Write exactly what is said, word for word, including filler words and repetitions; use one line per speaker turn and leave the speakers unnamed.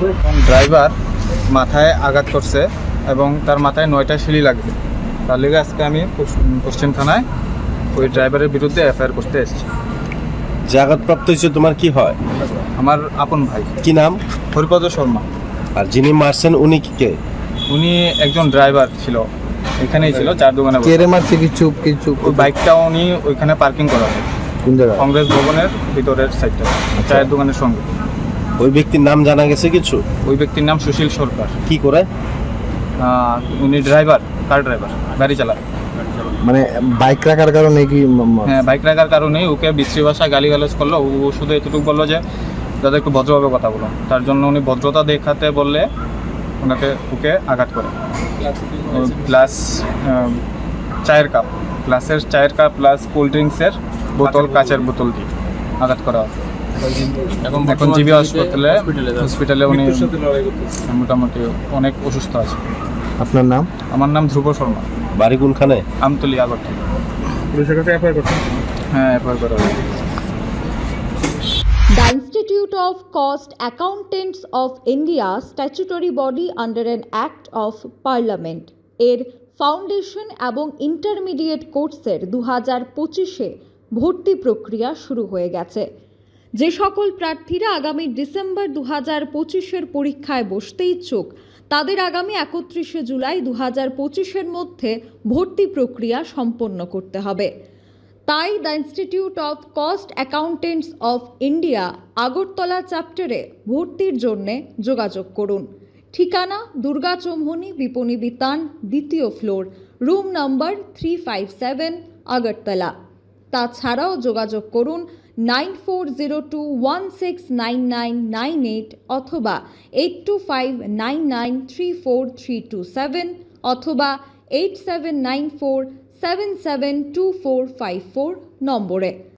Driver মাথায় আঘাত করছে এবং তার মাথায় নয়টা সিঁড়ি লাগবে। তার লেগে আজকে আমি পশ্চিম থানায় ওই ড্রাইভারের বিরুদ্ধে এফআইআর করতে এসেছি।
যে আঘাতপ্রাপ্ত হয়েছে তোমার কি হয়?
আমার আপন ভাই।
কি নাম?
হরিপদ শর্মা।
আর যিনি মারছেন উনি কি কে?
উনি একজন ড্রাইভার ছিল, এখানেই ছিল, চার দোকানে বসে।
কেড়ে মারছে কিছু কিছু
ওই বাইকটাও উনি ওইখানে পার্কিং করা হয়
কোন জায়গায়?
কংগ্রেস ভবনের ভিতরের সাইডটা, চায়ের দোকানের সঙ্গে।
ওই ব্যক্তির নাম জানা গেছে কিছু?
ওই ব্যক্তির নাম সুশীল সরকার।
কি করে?
আহ, উনি ড্রাইভার, কার ড্রাইভার, গাড়ি চালায়।
মানে বাইক রাখার কারণে কি ম- ম-
হ্যাঁ, বাইক রাখার কারণেই ওকে বিশ্রী ভাষায় গালিগালাজ করলো। ও শুধু এতটুকু বললো যে দাদা একটু ভদ্রভাবে কথা বলো। তার জন্য উনি ভদ্রতা দেখাতে বললে ওনাকে ওকে আঘাত করে। প্লাস চায়ের কাপ, গ্লাসের চায়ের কাপ প্লাস কোল্ড ড্রিঙ্কসের বোতল, কাচের বোতল দিয়ে আঘাত করা হয়। এখন জিবি হাসপাতালে হসপিটালে উনি মোটামুটি অনেক অসুস্থ আছে।
আপনার নাম?
আমার নাম ধ্রুব শর্মা,
বাড়ি কোনখানে?
আমতলী, আগরতলা।
পুলিশের কাছে এফআইআর করছেন?
হ্যাঁ, এফআইআর করা হয়েছে।
The Institute of Cost Accountants of India, statutory body under an Act of Parliament, এর ফাউন্ডেশন এবং ইন্টারমিডিয়েট কোর্সের দু হাজার পঁচিশে ভর্তি প্রক্রিয়া শুরু হয়ে গেছে। যে সকল প্রার্থীরা আগামী ডিসেম্বর দু হাজার পঁচিশের পরীক্ষায় বসতে ইচ্ছুক তাদের আগামী একত্রিশে জুলাই দু হাজার পঁচিশের মধ্যে ভর্তি প্রক্রিয়া সম্পন্ন করতে হবে। তাই the institute of cost accountants of India Agartala চ্যাপ্টারে ভর্তির জন্য যোগাযোগ করুন। ঠিকানা দুর্গা চৌমুহনী বিপণী বিতান, দ্বিতীয় floor, room number three five seven, Agartala. তাছাড়াও যোগাযোগ করুন nine four zero two one six nine nine nine eight অথবা eight two five nine nine three four three two seven অথবা eight seven nine four seven seven two four five four নম্বরে।